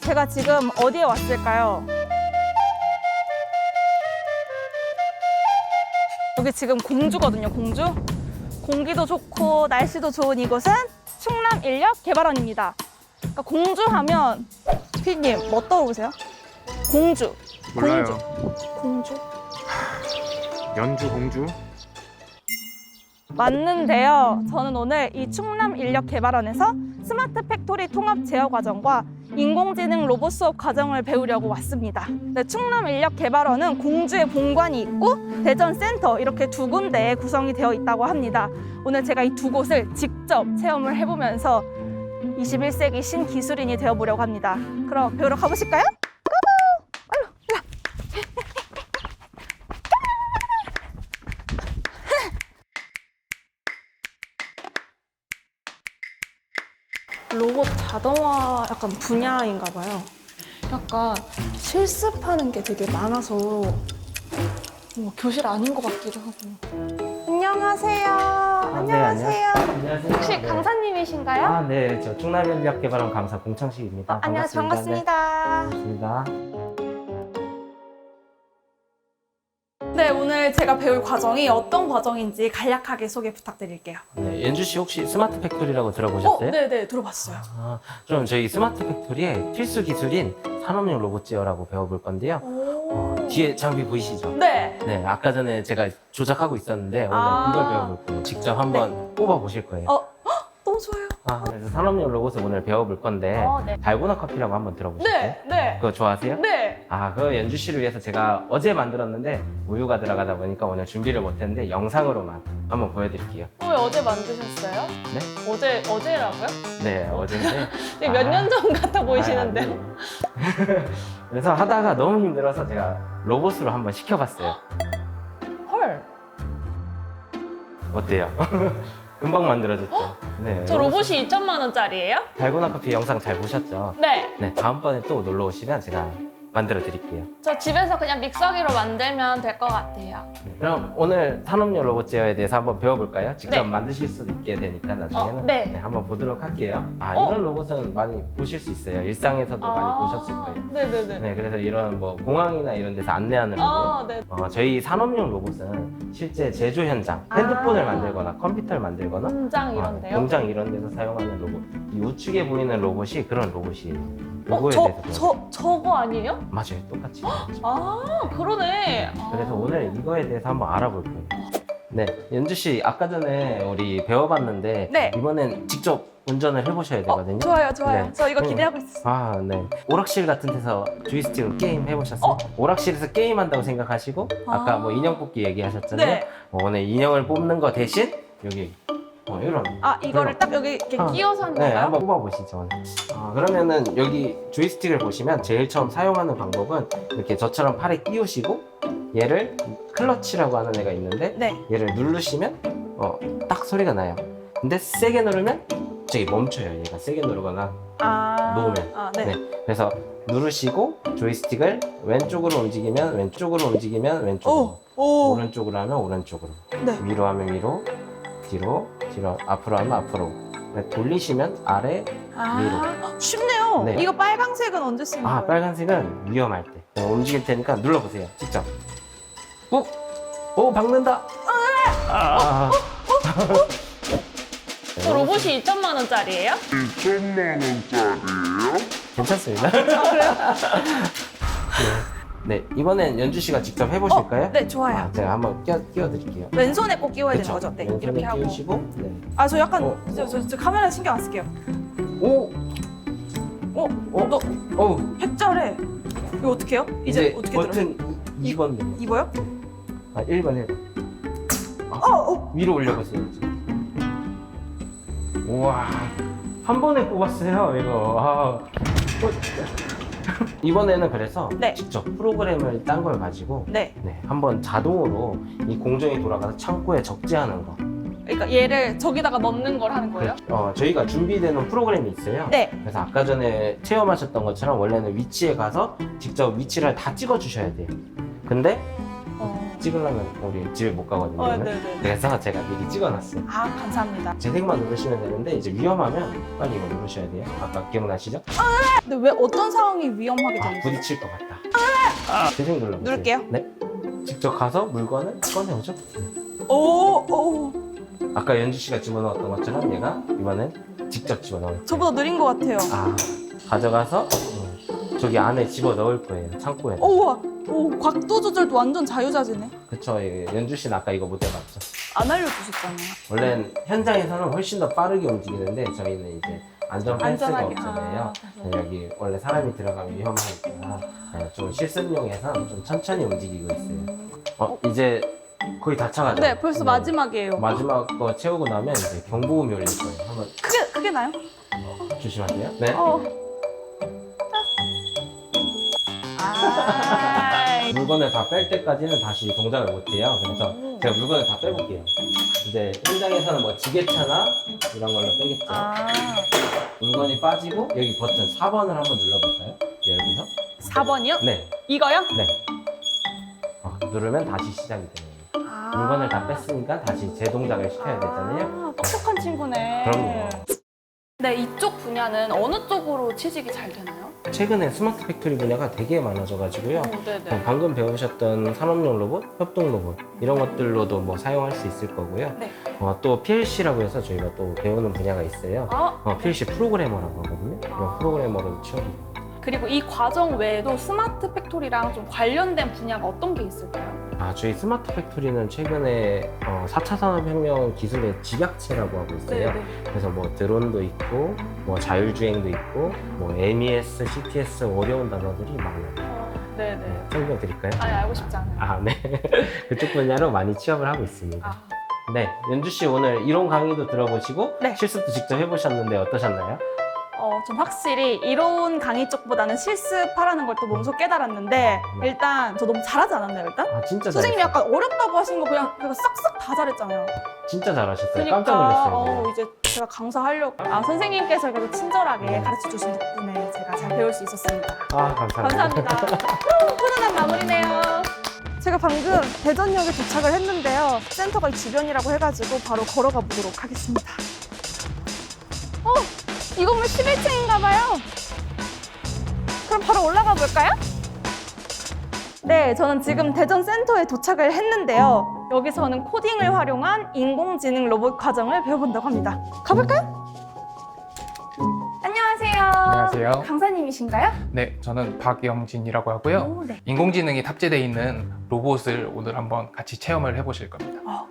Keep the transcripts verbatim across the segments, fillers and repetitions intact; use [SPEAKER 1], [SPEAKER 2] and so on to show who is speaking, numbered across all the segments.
[SPEAKER 1] 제가 지금 어디에 왔을까요? 여기 지금 공주거든요, 공주. 공기도 좋고 날씨도 좋은 이곳은 충남인력개발원입니다. 그러니까 공주 하면 피디님 뭐 떠오르세요? 공주.
[SPEAKER 2] 몰라요.
[SPEAKER 1] 공주. 공주.
[SPEAKER 2] 연주 공주?
[SPEAKER 1] 맞는데요. 저는 오늘 이 충남인력개발원에서 스마트 팩토리 통합 제어 과정과 인공지능 로봇 수업 과정을 배우려고 왔습니다. 네, 충남인력개발원은 공주에 본관이 있고 대전 센터 이렇게 두 군데에 구성이 되어 있다고 합니다. 오늘 제가 이 두 곳을 직접 체험을 해보면서 이십일 세기 신기술인이 되어보려고 합니다. 그럼 배우러 가보실까요? 로봇 자동화 약간 분야인가 봐요. 약간 실습하는 게 되게 많아서 뭐 교실 아닌 것 같기도 하고. 안녕하세요.
[SPEAKER 3] 아, 네,
[SPEAKER 1] 안녕하세요.
[SPEAKER 3] 안녕하세요.
[SPEAKER 1] 혹시
[SPEAKER 3] 네.
[SPEAKER 1] 강사님이신가요?
[SPEAKER 3] 아, 네, 저 충남인력개발원 감사 공창식입니다.
[SPEAKER 1] 어, 안녕하세요. 반갑습니다.
[SPEAKER 3] 네, 반갑습니다.
[SPEAKER 1] 네, 오늘 제가 배울 과정이 어떤 과정인지 간략하게 소개 부탁드릴게요.
[SPEAKER 3] 네, 연주 씨 혹시 스마트 팩토리라고 들어보셨어요?
[SPEAKER 1] 어, 네네, 들어봤어요.
[SPEAKER 3] 아, 그럼 저희 스마트 팩토리의 필수 기술인 산업용 로봇 제어라고 배워볼 건데요.
[SPEAKER 1] 오.
[SPEAKER 3] 어, 뒤에 장비 보이시죠?
[SPEAKER 1] 네.
[SPEAKER 3] 네, 아까 전에 제가 조작하고 있었는데 오늘
[SPEAKER 1] 아.
[SPEAKER 3] 이걸 배워볼 거예요. 직접 한번 뽑아 보실 거예요.
[SPEAKER 1] 어, 헉, 너무 좋아요.
[SPEAKER 3] 아, 그래서 산업용 로봇을 오늘 배워볼 건데
[SPEAKER 1] 어, 네.
[SPEAKER 3] 달고나 커피라고 한번 들어보셨어요?
[SPEAKER 1] 네, 네.
[SPEAKER 3] 그거 좋아하세요?
[SPEAKER 1] 네.
[SPEAKER 3] 아, 그 연주 씨를 위해서 제가 어제 만들었는데 우유가 들어가다 보니까 오늘 준비를 못했는데 영상으로만 한번 보여드릴게요.
[SPEAKER 1] 왜 어제 만드셨어요?
[SPEAKER 3] 네?
[SPEAKER 1] 어제, 어제라고요?
[SPEAKER 3] 네, 어제인데.
[SPEAKER 1] 되게 몇 년 전 같아 보이시는데.
[SPEAKER 3] 아, 아니에요. 그래서 하다가 너무 힘들어서 제가 로봇으로 한번 시켜봤어요.
[SPEAKER 1] 헐.
[SPEAKER 3] 어때요? 금방 만들어졌죠? 네.
[SPEAKER 1] 저 로봇이 이천만 원짜리예요?
[SPEAKER 3] 달고나 커피 영상 잘 보셨죠?
[SPEAKER 1] 네.
[SPEAKER 3] 네, 다음번에 또 놀러 오시면 제가 만들어 드릴게요.
[SPEAKER 1] 저 집에서 그냥 믹서기로 만들면 될 것 같아요.
[SPEAKER 3] 네, 그럼 오늘 산업용 로봇 제어에 대해서 한번 배워볼까요? 직접
[SPEAKER 1] 네.
[SPEAKER 3] 만드실 수도 있게 되니까 나중에는
[SPEAKER 1] 어, 네.
[SPEAKER 3] 한번 보도록 할게요. 아,
[SPEAKER 1] 어?
[SPEAKER 3] 이런 로봇은 많이 보실 수 있어요. 일상에서도 많이 보셨을 거예요.
[SPEAKER 1] 네네네.
[SPEAKER 3] 네, 그래서 이런 뭐 공항이나 이런 데서 안내하는 로봇.
[SPEAKER 1] 아, 네.
[SPEAKER 3] 어, 저희 산업용 로봇은 실제 제조 현장,
[SPEAKER 1] 아.
[SPEAKER 3] 핸드폰을 만들거나 컴퓨터를 만들거나
[SPEAKER 1] 공장
[SPEAKER 3] 어,
[SPEAKER 1] 이런데요?
[SPEAKER 3] 공장 이런 데서 사용하는 로봇. 이 우측에 보이는 로봇이 그런 로봇이에요.
[SPEAKER 1] 어,
[SPEAKER 3] 요거에
[SPEAKER 1] 저,
[SPEAKER 3] 대해서 배워볼게요.
[SPEAKER 1] 저, 저거 아니에요?
[SPEAKER 3] 맞아요, 똑같이.
[SPEAKER 1] 아, 그러네. 아.
[SPEAKER 3] 그래서 오늘 이거에 대해서 한번 알아볼 거예요. 네, 연주 씨 아까 전에 우리 배워봤는데
[SPEAKER 1] 네.
[SPEAKER 3] 이번엔 직접 운전을 해보셔야 되거든요.
[SPEAKER 1] 어, 좋아요, 좋아요.
[SPEAKER 3] 네.
[SPEAKER 1] 저 이거
[SPEAKER 3] 네.
[SPEAKER 1] 기대하고 있어요.
[SPEAKER 3] 아, 네. 오락실 같은 데서 조이스틱으로 게임 해보셨어요?
[SPEAKER 1] 어?
[SPEAKER 3] 오락실에서 게임한다고 생각하시고 아까
[SPEAKER 1] 아.
[SPEAKER 3] 뭐 인형 뽑기 얘기하셨잖아요.
[SPEAKER 1] 네.
[SPEAKER 3] 어, 오늘 인형을 뽑는 거 대신 여기 어, 이런.
[SPEAKER 1] 아, 이거를
[SPEAKER 3] 이런.
[SPEAKER 1] 딱 여기 이렇게
[SPEAKER 3] 아,
[SPEAKER 1] 끼워서 하는
[SPEAKER 3] 네,
[SPEAKER 1] 건가요?
[SPEAKER 3] 한번 뽑아보시죠. 아, 그러면은 여기 조이스틱을 보시면 제일 처음 사용하는 방법은 이렇게 저처럼 팔에 끼우시고 얘를 클러치라고 하는 애가 있는데
[SPEAKER 1] 네.
[SPEAKER 3] 얘를 누르시면 어, 딱 소리가 나요. 근데 세게 누르면 갑자기 멈춰요. 얘가 세게 누르거나
[SPEAKER 1] 아.
[SPEAKER 3] 놓으면.
[SPEAKER 1] 아, 네.
[SPEAKER 3] 네. 그래서 누르시고 조이스틱을 왼쪽으로 움직이면 왼쪽으로 움직이면 왼쪽으로
[SPEAKER 1] 오, 오.
[SPEAKER 3] 오른쪽으로 하면 오른쪽으로
[SPEAKER 1] 네.
[SPEAKER 3] 위로 하면 위로 뒤로 뒤로 앞으로 하면 앞으로 네, 돌리시면 아래
[SPEAKER 1] 아, 쉽네요.
[SPEAKER 3] 네.
[SPEAKER 1] 이거 빨강색은 언제 쓰는
[SPEAKER 3] 아
[SPEAKER 1] 거예요?
[SPEAKER 3] 빨간색은 위험할 때 네, 움직일 테니까 눌러보세요 직접 꾹! 오 박는다 아,
[SPEAKER 1] 저 로봇이 이천만 원짜리예요?
[SPEAKER 3] 괜찮습니다 아, 그래요? 네, 네, 이번엔 연주 씨가 직접 해보실까요?
[SPEAKER 1] 어, 네, 좋아요.
[SPEAKER 3] 아, 제가 한번 끼워, 끼워드릴게요
[SPEAKER 1] 왼손에 꼭 끼워야
[SPEAKER 3] 그쵸?
[SPEAKER 1] 되는 거죠? 네,
[SPEAKER 3] 왼손에
[SPEAKER 1] 이렇게 하고.
[SPEAKER 3] 끼우시고 네.
[SPEAKER 1] 아, 저 약간
[SPEAKER 3] 어.
[SPEAKER 1] 저, 저, 저 카메라 신경 안 쓸게요.
[SPEAKER 3] 오!
[SPEAKER 1] 어,
[SPEAKER 3] 어?
[SPEAKER 1] 너
[SPEAKER 3] 어!
[SPEAKER 1] 핵잘해. 이거 어떻게 해요? 이제,
[SPEAKER 3] 이제
[SPEAKER 1] 어떻게 들어요?
[SPEAKER 3] 버튼 이 번 눌러
[SPEAKER 1] 입어요?
[SPEAKER 3] 아, 일 번 일 번
[SPEAKER 1] 어, 어.
[SPEAKER 3] 위로 올려보세요. 우와, 한 번에 뽑았어요, 이거. 아. 어. 이번에는 그래서
[SPEAKER 1] 네.
[SPEAKER 3] 직접 프로그램을 딴 걸 가지고
[SPEAKER 1] 네.
[SPEAKER 3] 네, 한번 자동으로 이 공정이 돌아가서 창고에 적재하는 거.
[SPEAKER 1] 그러니까 얘를 저기다가 넣는 걸 하는 거예요?
[SPEAKER 3] 어, 저희가 준비되는 프로그램이 있어요.
[SPEAKER 1] 네.
[SPEAKER 3] 그래서 아까 전에 체험하셨던 것처럼 원래는 위치에 가서 직접 위치를 다 찍어 주셔야 돼요. 근데
[SPEAKER 1] 어.
[SPEAKER 3] 찍으려면 우리 집에 못 가거든요.
[SPEAKER 1] 어, 네네.
[SPEAKER 3] 그래서 제가 미리 찍어놨어요.
[SPEAKER 1] 아, 감사합니다.
[SPEAKER 3] 재생만 누르시면 되는데 이제 위험하면 빨리 이거 누르셔야 돼요. 아까 기억나시죠?
[SPEAKER 1] 근데 왜 어떤 상황이 위험하게
[SPEAKER 3] 아,
[SPEAKER 1] 되는지?
[SPEAKER 3] 부딪힐 것 같다. 재생 눌러보세요.
[SPEAKER 1] 누를게요.
[SPEAKER 3] 네. 직접 가서 물건을 꺼내오죠.
[SPEAKER 1] 오, 오.
[SPEAKER 3] 아까 연주 씨가 집어넣었던 것처럼 얘가 이번엔 직접 집어넣어요.
[SPEAKER 1] 저보다 느린 것 같아요.
[SPEAKER 3] 아, 가져가서 음, 저기 안에 집어넣을 거예요. 창고에.
[SPEAKER 1] 오, 우와. 오, 각도 조절도 완전 자유자재네.
[SPEAKER 3] 그쵸. 예, 연주 씨는 아까 이거 못 해봤죠.
[SPEAKER 1] 안 알려주셨잖아요.
[SPEAKER 3] 원래는 현장에서는 훨씬 더 빠르게 움직이는데 저희는 이제 안전 펜스가
[SPEAKER 1] 안전하게.
[SPEAKER 3] 없잖아요.
[SPEAKER 1] 아, 그래서.
[SPEAKER 3] 여기 원래 사람이 들어가면 위험하니까 네, 좀 실습용해서 좀 천천히 움직이고 있어요. 어, 이제 거의 다 차가죠?
[SPEAKER 1] 네, 벌써 마지막이에요.
[SPEAKER 3] 마지막 거 채우고 나면 이제 경보음이 울릴 거예요. 한번
[SPEAKER 1] 크게, 크게 나요?
[SPEAKER 3] 조심하세요. 네.
[SPEAKER 1] 어. 아.
[SPEAKER 3] 물건을 다 뺄 때까지는 다시 동작을 못 해요. 그래서
[SPEAKER 1] 오.
[SPEAKER 3] 제가 물건을 다 빼볼게요. 이제 현장에서는 뭐 지게차나 이런 걸로 빼겠죠.
[SPEAKER 1] 아.
[SPEAKER 3] 물건이 빠지고 여기 버튼 사 번을 한번 눌러볼까요? 열고서.
[SPEAKER 1] 사 번이요?
[SPEAKER 3] 네.
[SPEAKER 1] 이거요?
[SPEAKER 3] 네. 어, 누르면 다시 시작이 되는 거예요.
[SPEAKER 1] 아.
[SPEAKER 3] 물건을 다 뺐으니까 다시 재동작을 시켜야 되잖아요.
[SPEAKER 1] 아, 똑똑한 친구네.
[SPEAKER 3] 그럼요.
[SPEAKER 1] 네, 이쪽 분야는 어느 쪽으로 취직이 잘 되나요?
[SPEAKER 3] 최근에 스마트 팩토리 분야가 되게 많아져가지고요.
[SPEAKER 1] 오, 네네.
[SPEAKER 3] 어, 방금 배우셨던 산업용 로봇, 협동 로봇 이런 것들로도 뭐 사용할 수 있을 거고요.
[SPEAKER 1] 네.
[SPEAKER 3] 어, 또 피엘씨라고 해서 저희가 또 배우는 분야가 있어요.
[SPEAKER 1] 아,
[SPEAKER 3] 어, 피엘씨 프로그래머라고 하거든요.
[SPEAKER 1] 아.
[SPEAKER 3] 그런 프로그래머로 취업이 돼요.
[SPEAKER 1] 그리고 이 과정 외에도 스마트 팩토리랑 좀 관련된 분야가 어떤 게 있을까요?
[SPEAKER 3] 아, 저희 스마트 팩토리는 최근에 어, 사 차 산업혁명 기술의 집약체라고 하고 있어요.
[SPEAKER 1] 네네.
[SPEAKER 3] 그래서 뭐 드론도 있고, 뭐 자율주행도 있고, 뭐 엠이에스, 씨티에스 어려운 단어들이 많아요.
[SPEAKER 1] 어, 네네.
[SPEAKER 3] 네, 설명드릴까요?
[SPEAKER 1] 아니, 알고 싶지 않아요.
[SPEAKER 3] 아, 네. 그쪽 분야로 많이 취업을 하고 있습니다.
[SPEAKER 1] 아.
[SPEAKER 3] 네, 연주 씨 오늘 이론 강의도 들어보시고
[SPEAKER 1] 네.
[SPEAKER 3] 실습도 직접 해보셨는데 어떠셨나요?
[SPEAKER 1] 어, 좀 확실히 이론 강의 쪽보다는 실습하라는 걸 또 몸소 깨달았는데
[SPEAKER 3] 네.
[SPEAKER 1] 일단 저 너무 잘하지 않았나요, 일단?
[SPEAKER 3] 아, 진짜
[SPEAKER 1] 선생님이
[SPEAKER 3] 잘했어요.
[SPEAKER 1] 약간 어렵다고 하신 거 그냥, 그냥 싹싹 다 잘했잖아요.
[SPEAKER 3] 진짜 잘하셨어요.
[SPEAKER 1] 그러니까
[SPEAKER 3] 깜짝 놀랐어요.
[SPEAKER 1] 어, 이제 제가 강사하려고 아 선생님께서 그래도 친절하게
[SPEAKER 3] 네.
[SPEAKER 1] 가르쳐 주신 덕분에 제가 잘 배울 수 있었습니다.
[SPEAKER 3] 아, 감사합니다.
[SPEAKER 1] 감사합니다. 후, 훈훈한 마무리네요. 제가 방금 대전역에 도착을 했는데요. 센터가 이 주변이라고 해가지고 바로 걸어가 보도록 하겠습니다. 어, 이 건물 십일 층인가 봐요. 그럼 바로 올라가 볼까요? 네, 저는 지금 대전 센터에 도착을 했는데요. 여기서는 코딩을 활용한 인공지능 로봇 과정을 배워본다고 합니다. 가볼까요? 안녕하세요.
[SPEAKER 2] 안녕하세요.
[SPEAKER 1] 강사님이신가요?
[SPEAKER 2] 네, 저는 박영진이라고 하고요.
[SPEAKER 1] 오, 네.
[SPEAKER 2] 인공지능이 탑재되어 있는 로봇을 오늘 한번 같이 체험을 해보실 겁니다.
[SPEAKER 1] 어.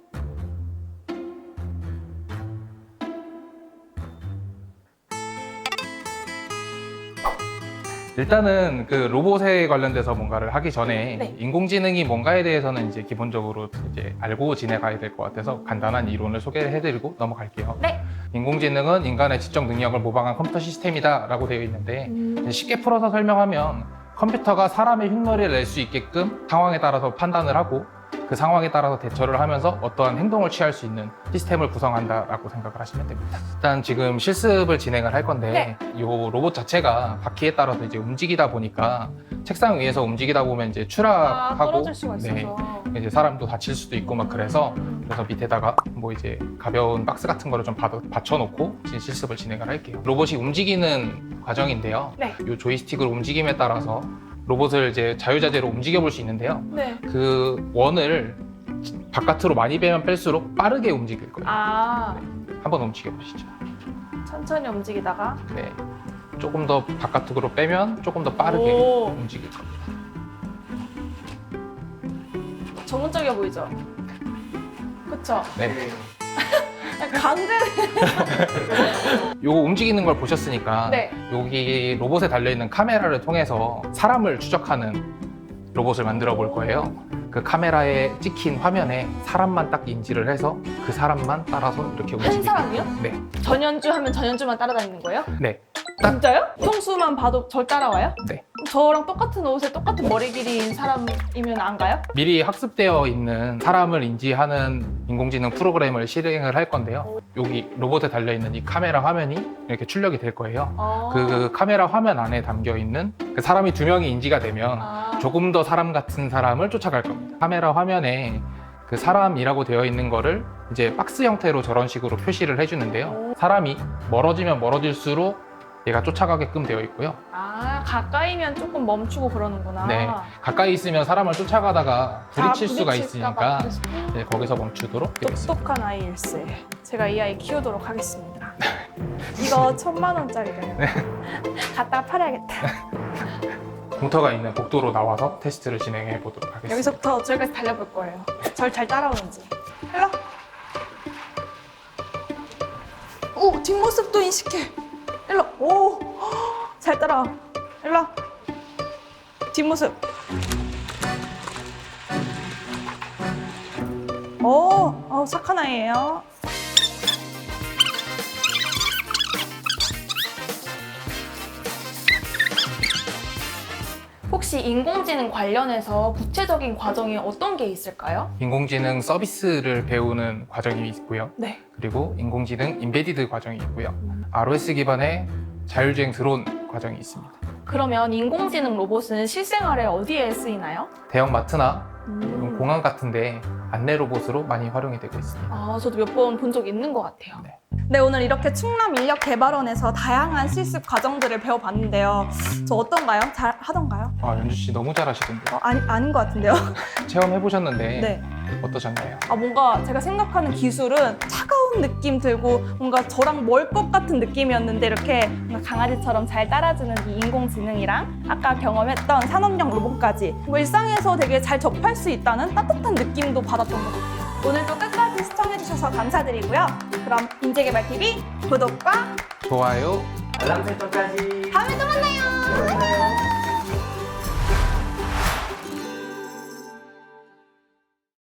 [SPEAKER 2] 일단은 그 로봇에 관련돼서 뭔가를 하기 전에
[SPEAKER 1] 네.
[SPEAKER 2] 인공지능이 뭔가에 대해서는 이제 기본적으로 이제 알고 지내가야 될 것 같아서 간단한 이론을 소개를 해드리고 넘어갈게요.
[SPEAKER 1] 네.
[SPEAKER 2] 인공지능은 인간의 지적 능력을 모방한 컴퓨터 시스템이다라고 되어 있는데
[SPEAKER 1] 음.
[SPEAKER 2] 쉽게 풀어서 설명하면 컴퓨터가 사람의 흉내를 낼 수 있게끔 상황에 따라서 판단을 하고 그 상황에 따라서 대처를 하면서 어떠한 행동을 취할 수 있는 시스템을 구성한다라고 생각을 하시면 됩니다. 일단 지금 실습을 진행을 할 건데 이 로봇 자체가 바퀴에 따라서 이제 움직이다 보니까 책상 위에서 움직이다 보면 이제
[SPEAKER 1] 아,
[SPEAKER 2] 추락하고
[SPEAKER 1] 떨어질 수가 있어서.
[SPEAKER 2] 네, 이제 사람도 다칠 수도 있고 막 그래서 그래서 밑에다가 뭐 이제 가벼운 박스 같은 거를 좀 받- 받쳐놓고 이제 실습을 진행을 할게요. 로봇이 움직이는 과정인데요.
[SPEAKER 1] 네.
[SPEAKER 2] 이 조이스틱을 움직임에 따라서 로봇을 이제 자유자재로 움직여 볼 수 있는데요.
[SPEAKER 1] 네.
[SPEAKER 2] 그 원을 바깥으로 많이 빼면 뺄수록 빠르게 움직일 거예요.
[SPEAKER 1] 아,
[SPEAKER 2] 한번 움직여 보시죠.
[SPEAKER 1] 천천히 움직이다가.
[SPEAKER 2] 네. 조금 더 바깥으로 빼면 조금 더 빠르게
[SPEAKER 1] 오.
[SPEAKER 2] 움직일 겁니다.
[SPEAKER 1] 전문적이어 보이죠? 그쵸?
[SPEAKER 2] 네.
[SPEAKER 1] 강제.
[SPEAKER 2] 요거 움직이는 걸 보셨으니까
[SPEAKER 1] 네.
[SPEAKER 2] 여기 로봇에 달려있는 카메라를 통해서 사람을 추적하는 로봇을 만들어 볼 거예요. 그 카메라에 찍힌 화면에 사람만 딱 인지를 해서 그 사람만 따라서 이렇게
[SPEAKER 1] 한
[SPEAKER 2] 움직이게
[SPEAKER 1] 사람이요?
[SPEAKER 2] 네.
[SPEAKER 1] 전현주 하면 전현주만 따라다니는 거예요?
[SPEAKER 2] 네.
[SPEAKER 1] 진짜요? 평수만 봐도 절 따라와요?
[SPEAKER 2] 네.
[SPEAKER 1] 저랑 똑같은 옷에 똑같은 머리 길이인 사람이면 안 가요?
[SPEAKER 2] 미리 학습되어 있는 사람을 인지하는 인공지능 프로그램을 실행을 할 건데요. 여기 로봇에 달려있는 이 카메라 화면이 이렇게 출력이 될 거예요.
[SPEAKER 1] 아.
[SPEAKER 2] 그, 그 카메라 화면 안에 담겨 있는 그 사람이 두 명이 인지가 되면
[SPEAKER 1] 아.
[SPEAKER 2] 조금 더 사람 같은 사람을 쫓아갈 겁니다. 카메라 화면에 그 사람이라고 되어 있는 거를 이제 박스 형태로 저런 식으로 표시를 해주는데요. 사람이 멀어지면 멀어질수록 얘가 쫓아가게끔 되어 있고요.
[SPEAKER 1] 아, 가까이면 조금 멈추고 그러는구나.
[SPEAKER 2] 네, 가까이 있으면 사람을 쫓아가다가 부딪힐
[SPEAKER 1] 아,
[SPEAKER 2] 수가
[SPEAKER 1] 부딪힐까
[SPEAKER 2] 있으니까
[SPEAKER 1] 봐 부딪힐-
[SPEAKER 2] 네, 거기서 멈추도록 되어 있습니다.
[SPEAKER 1] 똑똑한 아이일세. 제가 이 아이 키우도록 하겠습니다. 이거 천만 원짜리래요. 갖다 팔아야겠다.
[SPEAKER 2] 공터가 있는 복도로 나와서 테스트를 진행해 보도록 하겠습니다.
[SPEAKER 1] 여기서부터 저기까지 달려볼 거예요. 절 잘 따라오는지. 일로. 오, 뒷모습도 인식해. 일로. 오, 잘 따라와. 일로. 뒷모습. 오, 어, 착한 아이예요. 혹시 인공지능 관련해서 구체적인 과정이 어떤 게 있을까요?
[SPEAKER 2] 인공지능 서비스를 배우는 과정이 있고요.
[SPEAKER 1] 네.
[SPEAKER 2] 그리고 인공지능 인베디드 과정이 있고요. 알오에스 기반의 자율주행 드론 과정이 있습니다.
[SPEAKER 1] 그러면 인공지능 로봇은 실생활에 어디에 쓰이나요?
[SPEAKER 2] 대형 마트나
[SPEAKER 1] 음.
[SPEAKER 2] 공항 같은데 안내 로봇으로 많이 활용이 되고 있습니다.
[SPEAKER 1] 아, 저도 몇 번 본 적 있는 것 같아요.
[SPEAKER 2] 네.
[SPEAKER 1] 네, 오늘 이렇게 충남인력개발원에서 다양한 실습 과정들을 배워봤는데요. 저 어떤가요? 잘 하던가요?
[SPEAKER 2] 아, 연주 씨 너무 잘하시던데요.
[SPEAKER 1] 어, 아니, 아닌 것 같은데요?
[SPEAKER 2] 체험해 보셨는데
[SPEAKER 1] 네.
[SPEAKER 2] 어떠셨나요?
[SPEAKER 1] 아, 뭔가 제가 생각하는 기술은 차가운 느낌 들고 뭔가 저랑 멀 것 같은 느낌이었는데 이렇게 뭔가 강아지처럼 잘 따라주는 이 인공지능이랑 아까 경험했던 산업용 로봇까지 뭐 일상에서 되게 잘 접할 수 있다는 따뜻한 느낌도 받았던 것 같아요. 오늘도 끝까지 시청해주셔서 감사드리고요. 그럼 인재개발티비 구독과
[SPEAKER 2] 좋아요.
[SPEAKER 3] 알람 설정까지.
[SPEAKER 1] 다음에 또 만나요.